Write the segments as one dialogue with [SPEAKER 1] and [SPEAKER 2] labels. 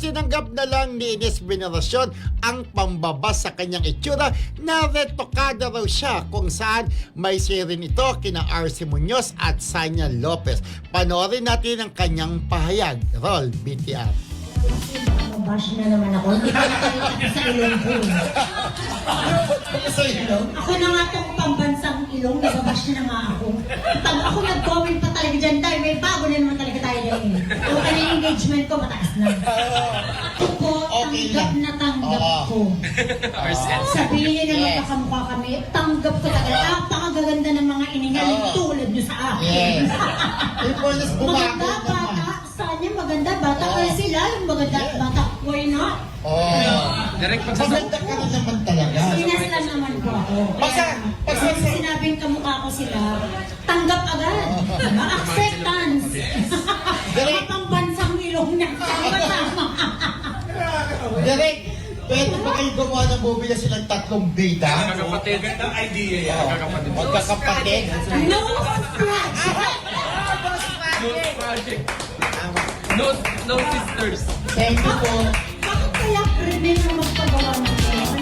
[SPEAKER 1] tinanggap na lang ni Ines Veneracion ang pambabas sa kanyang itsura na retokada raw siya kung saan may sirin ito kina RC Munoz at Sanya Lopez. Panoorin natin ang kanyang pahayag. Roll BTR.
[SPEAKER 2] Bash na naman ako. Hindi pa nakalimutan sa ilong ko.
[SPEAKER 1] Sa ilong?
[SPEAKER 2] Ako na nga itong pambansang ilong, nababash na nga ako. Pag ako nag-comment pa talaga dyan tayo, may bago na naman talaga tayo dyan. So, kaya engagement ko mataas na. Ako po, tanggap na tanggap ko. Sabihin nyo na magkakamukha kami, tanggap ko talaga. Napakagaganda ng mga iningaling tulad nyo sa akin. Maganda, bata. Sanya, maganda, bata. Kaya sila, yung maganda, bata. Why not?
[SPEAKER 1] Maganda ka rin naman talaga.
[SPEAKER 2] Sinas lang naman po ako. Kasi sinabing kamukha ko sila, tanggap agad. Acceptance. Kapang bansang ilong na tama.
[SPEAKER 1] Direk, pwede ba kayo gumawa ng movie na silang tatlong bida?
[SPEAKER 3] Magkakapatid. Magandang idea yan. Magkakapatid.
[SPEAKER 1] Magkakapatid?
[SPEAKER 2] No project.
[SPEAKER 3] No project. No sisters.
[SPEAKER 1] Thank you po.
[SPEAKER 2] Bakit kaya criminal ang magpagawa ng gano'n?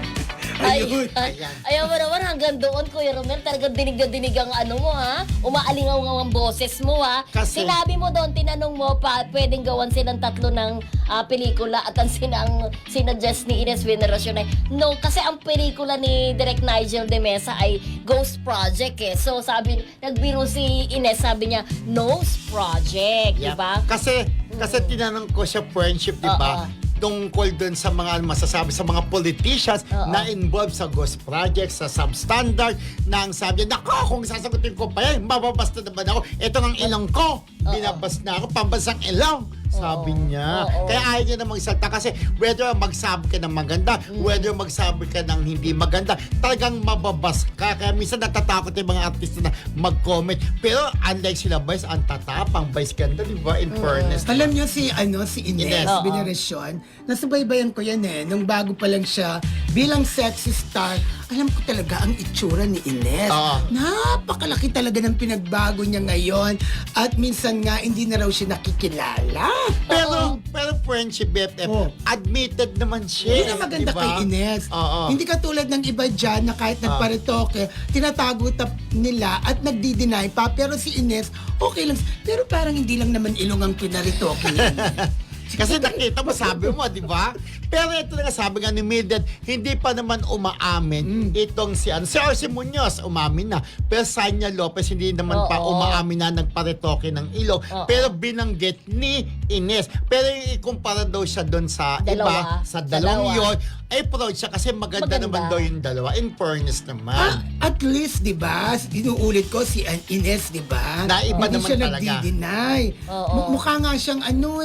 [SPEAKER 4] Ayaw mo naman hanggang doon, Kuya Romel. Talagang dinig na dinig ang ano mo, ha? Umaalingaw ang boses mo, ha?
[SPEAKER 1] Kasi-
[SPEAKER 4] Sinabi mo doon, tinanong mo pa, pwedeng gawan silang tatlo ng pelikula at ang sinadjust ni Ines Veneracion ay, no, kasi ang pelikula ni Direk Nigel de Mesa ay Ghost Project, eh. So, nagbiro si Ines, sabi niya, Nose Project, di ba?
[SPEAKER 1] Kasi tinanong ko siya friendship, di ba? Tungkol dun sa mga masasabi sa mga politicians na involved sa Ghost Project, sa substandard, na ang sabi niya, nako, kung sasagutin ko pa yan, mababasta naman ako. Ito ang ilong ko, binabas na ako, pambansang ilong. Sabi niya. Kaya ayaw niya na magsalta kasi whether magsabi ka ng maganda, whether magsabi ka ng hindi maganda, talagang mababas ka. Kaya minsan natatakot yung mga artista na mag-comment. Pero unlike sila Vice, ang tatapang Vice ganda, di ba? In fairness.
[SPEAKER 5] Alam niyo si Ines
[SPEAKER 1] Ines.
[SPEAKER 5] Veneracion, nasubaybayan ko yan nung bago pa lang siya bilang sexy star. Alam ko talaga ang itsura ni Ines. Napakalaki talaga ng pinagbago niya ngayon. At minsan nga, hindi na raw siya nakikilala.
[SPEAKER 1] Pero friendship BFF, admitted naman siya.
[SPEAKER 5] Hindi na maganda
[SPEAKER 1] diba?
[SPEAKER 5] kay Ines. Hindi katulad ng iba dyan na kahit nagparitoke, tinatago nila at nagdi-deny pa. Pero si Ines, okay lang. Pero parang hindi lang naman ilong ang pinaritoke niya.
[SPEAKER 1] Kasi nakita mo, sabi mo, di ba? Pero ito na nga, sabi nga ni Mildred, hindi pa naman umaamin itong si RC Munoz, umamin na. Pero Sanya Lopez, hindi naman pa umaamin na nagparetoke ng ilong. Pero binanggit ni Ines. Pero ikumpara daw siya doon sa iba, sa dalawang yun, ay proud siya kasi maganda naman daw yung dalawa. In fairness naman.
[SPEAKER 5] At least, di ba, inuulit ko si Ines, di ba?
[SPEAKER 1] Na iba
[SPEAKER 5] hindi
[SPEAKER 1] naman
[SPEAKER 5] siya
[SPEAKER 1] talaga.
[SPEAKER 5] nagdi-deny. Mukha nga siyang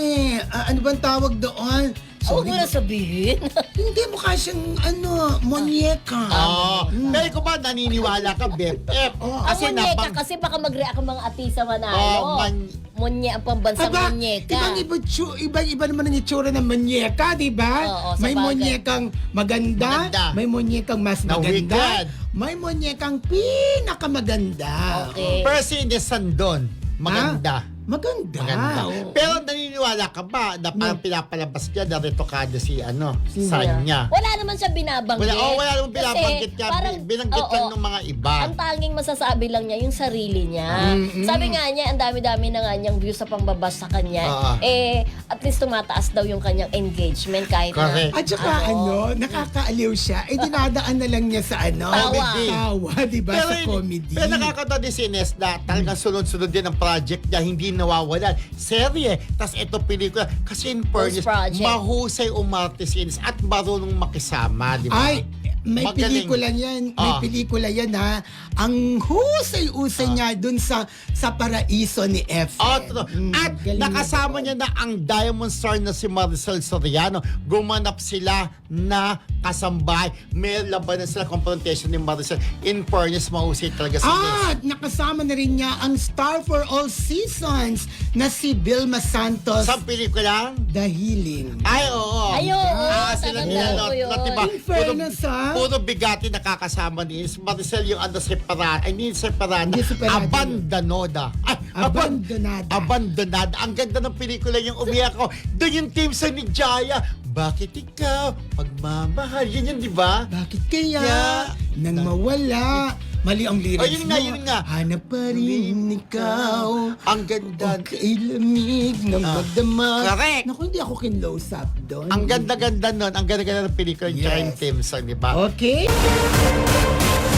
[SPEAKER 5] ano bang tawag doon?
[SPEAKER 4] Huwag mo na sabihin.
[SPEAKER 5] Hindi, mukha siyang monyeka.
[SPEAKER 1] Pero kung ba naniniwala ka, BFF?
[SPEAKER 4] Kasi kasi baka mag-react ang mga artista manalo. Ang pambansang monyeka.
[SPEAKER 5] Ibang-iba naman ang itsura ng monyeka, di ba? May monyekang maganda, may monyekang mas maganda, may monyekang pinakamaganda.
[SPEAKER 4] Okay.
[SPEAKER 1] Pero si Ines Sandon, maganda.
[SPEAKER 5] Maganda.
[SPEAKER 1] Pero naniniwala ka ba na parang pinapalabas niya na retokado si Sanya?
[SPEAKER 4] Wala naman siya binabanggit.
[SPEAKER 1] Wala naman binabanggit niya. Binanggit lang ng mga iba.
[SPEAKER 4] Ang tanging masasabi lang niya, yung sarili niya. Sabi nga niya, ang dami-dami na nga niyang views sa pangbabas sa kanya. At least tumataas daw yung kanyang engagement kahit
[SPEAKER 1] Correct.
[SPEAKER 4] na.
[SPEAKER 5] At saka nakakaaliw siya. Dinadaan na lang niya sa tawa, di ba? Sa comedy.
[SPEAKER 1] Pero nakakatawa din si Ines na talagang sunod-sunod din ang project niya, hindi nawawalan. Serye, tas ito pelikula. Kasi in fairness, mahusay umarte si Ines at marunong makisama, di ba?
[SPEAKER 5] Ay, may pelikula yan. May pelikula yan ha. Ang husay-usay niya dun sa Paraiso ni F.
[SPEAKER 1] At nakasama niya na ang Diamond Star na si Maricel Soriano. Gumanap sila na kasambahay. May labanan sila, confrontation ni Maricel. In fairness, mahusay talaga si Ines.
[SPEAKER 5] At nakasama na rin niya ang star for all seasons na si Vilma Santos.
[SPEAKER 1] Sa pelikulang?
[SPEAKER 5] The Healing.
[SPEAKER 1] Ay, oo.
[SPEAKER 4] Ay, oo,
[SPEAKER 1] Sila
[SPEAKER 4] tatandaan
[SPEAKER 1] nila,
[SPEAKER 4] ko yun.
[SPEAKER 1] diba?
[SPEAKER 5] In fairness,
[SPEAKER 1] Puro bigati nakakasama ni Maricel yung separada. Hindi separada.
[SPEAKER 5] Hindi separada.
[SPEAKER 1] Abandonada. Ay,
[SPEAKER 5] Abandonada.
[SPEAKER 1] Abandonada. Ang ganda ng pelikula yung umiyak ko. Doon yung team sa ni Jaya. Bakit ikaw pagmamahal? Yun, di ba?
[SPEAKER 5] Bakit kaya
[SPEAKER 1] Yeah.
[SPEAKER 5] nang mawala? Mali ang lyrics
[SPEAKER 1] Oh, yun nga.
[SPEAKER 5] Hanap pa rin ikaw.
[SPEAKER 1] Ang ganda.
[SPEAKER 5] Okay, lamig ng magdamag.
[SPEAKER 1] Correct.
[SPEAKER 5] Naku, hindi ako kinlose up doon.
[SPEAKER 1] Ang ganda-ganda nun. Ang ganda-ganda ng pelikula yung
[SPEAKER 5] Yes.
[SPEAKER 1] Giant Team Song, di ba?
[SPEAKER 5] Okay.